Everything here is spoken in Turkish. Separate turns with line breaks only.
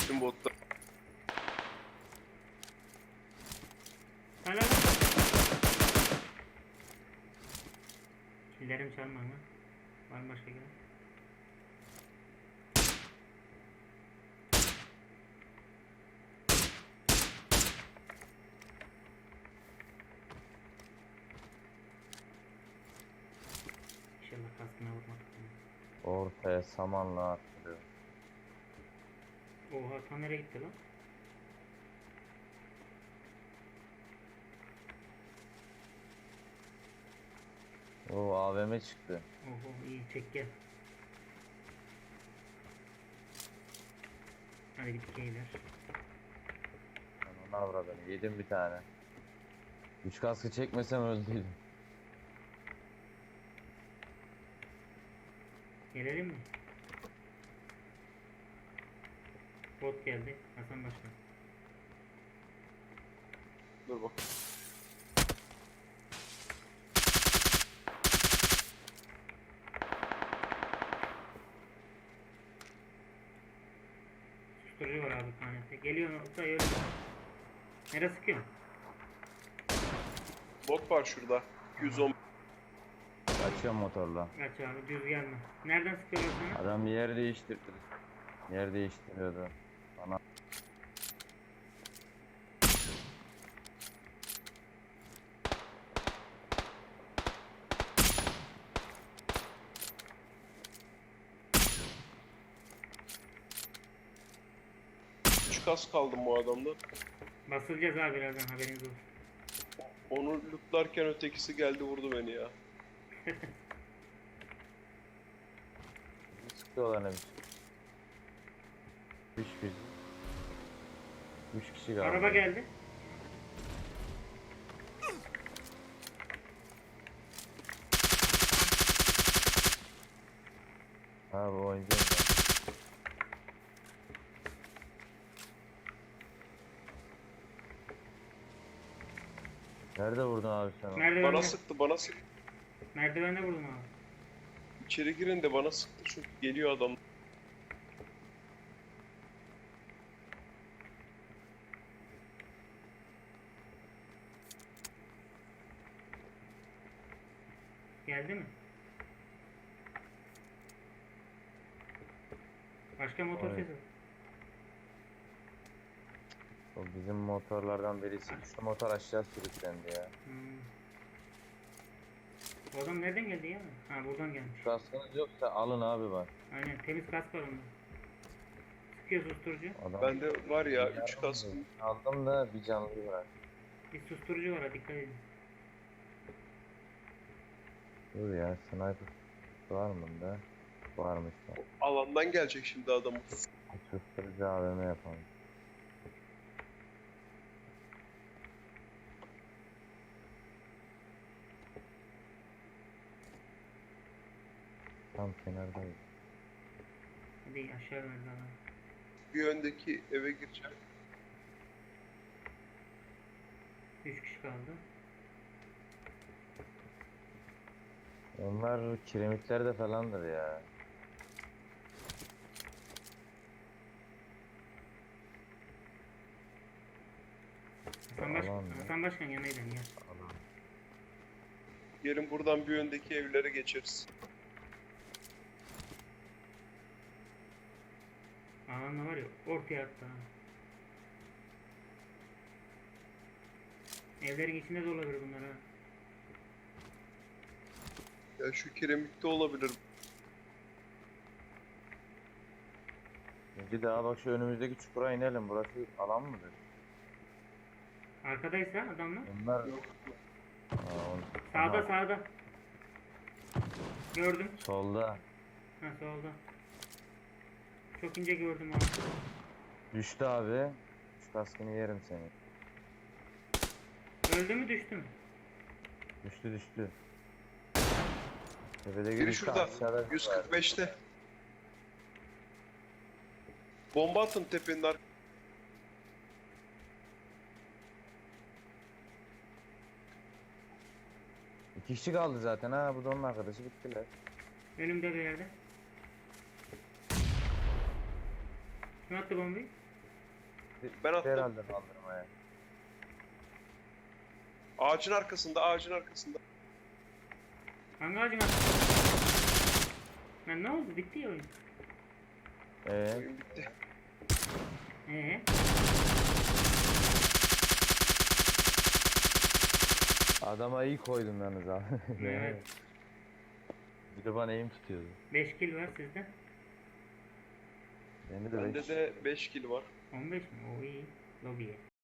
geçtim botta.
Hala. Killerim çalma ama. Var mı başka gelen? İnşallah kaskına vurmak.
Ortaya samanla attırıyor.
Oha tam nereye gitti lan?
O AVM çıktı.
Oho iyi çek gel. Hadi bir dikeyler.
Ben onu avradım. Yedim bir tane. 3 kaskı çekmesem öldüydüm.
Gelelim mi? Bot geldi. Hasan Başkan.
Dur bak.
Susturucu var abi tanesi. Geliyor nokta öyle. Nereye sıkıyorsun?
Bot var şurada. 210.
Açıyorum motorla.
Kaç abi düz gelme. Nereden sıkıyorlar sana?
Adam yer değiştirdi. Yer değiştiriyordu. Bana
Üç kas kaldım bu adamda.
Basılacağız abi birazdan haberiniz olsun.
Onu lootlarken ötekisi geldi vurdu beni ya.
sıkıyorlar ne biçim. 3 kişi galiba.
Araba geldi.
Ha bu oynayacağım ben. Nerede vurdun abi sen onu?
Merdivende.
Bana sıktı, bana sıktı.
Merdivende vurdum abi.
İçeri girin de bana sıktı çünkü geliyor adam.
Geldi mi? Başka motor
Evet.
sesi.
O bizim motorlardan birisi. Şu motor aşağı sürüklendi ya.
O adam nereden geldi ya? Ha buradan gelmiş.
Kaskınız yoksa alın abi bak.
Aynen temiz kask var onda. Sıkıyor susturucu.
Adam
Bende var ya 3 kas.
aldım da bir canlı var.
Bir susturucu var ha dikkat edin.
Dur ya sniper var mı da? Varmış da.
Alandan gelecek şimdi adam.
Susturucu AVM yapalım. Tam kenardayız.
Hadi aşağı verdi adam.
Bir öndeki eve gireceğim.
3 kişi kaldı.
Onlar kiremitlerde falandır ya.
Hasan, Hasan Başkan yanaydım ya.
Alan.
Gelin buradan bir öndeki evlere geçeriz.
Alanda var ya ortaya attı ha. Evlerin içinde de olabilir bunlar ha.
Ya şu kiremitte olabilir.
Bir daha bak şu önümüzdeki çukura inelim. Burası alan mıdır?
Arkadaysa adamlar.
Onlar...
Sağda
Aha,
sağda. Gördüm.
solda.
Ha solda. Çok ince gördüm abi.
Düştü abi. Şu kaskını yerim seni.
Öldü mü düştü mü?
Düştü düştü. Tepede
Biri
girişte
şurada.
aşağıda.
145'te. Bomba atın tepenin arkasına.
İki kişi kaldı zaten ha. Bu da onun arkadaşı bittiler.
Önümde bir yerde. Kim attı bombayı?
Ben attım.
Herhalde kaldırmaya.
Ağacın arkasında, ağacın arkasında.
Hangi ağacın arkasında? Lan ne oldu? Bitti ya oyun.
Oyun bitti.
Ee?
Adama iyi koydum yalnız abi.
Evet.
Bir de bana eğim tutuyordu.
5 kill var sizde.
Bende de
Bende
beş.
de 5 kill var.
15 mi? O iyi. Lobiye.